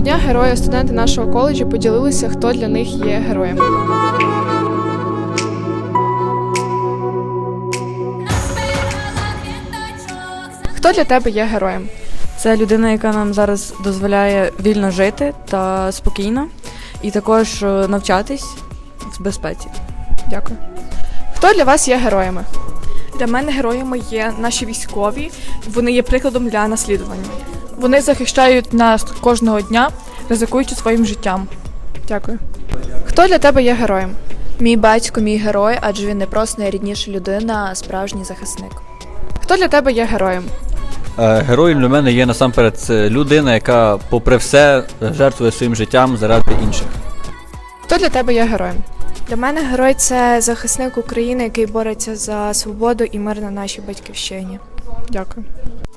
дня герої студенти нашого коледжу поділилися, хто для них є героєм. Хто для тебе є героєм? Це людина, яка нам зараз дозволяє вільно жити та спокійно, і також навчатись в безпеці. Дякую. Хто для вас є героями? Для мене героями є наші військові, вони є прикладом для наслідування. Вони захищають нас кожного дня, ризикуючи своїм життям. Дякую. Хто для тебе є героєм? Мій батько – мій герой, адже він не просто найрідніша людина, а справжній захисник. Хто для тебе є героєм? Героєм для мене є насамперед людина, яка попри все жертвує своїм життям заради інших. Хто для тебе є героєм? Для мене герой – це захисник України, який бореться за свободу і мир на нашій батьківщині. Дякую.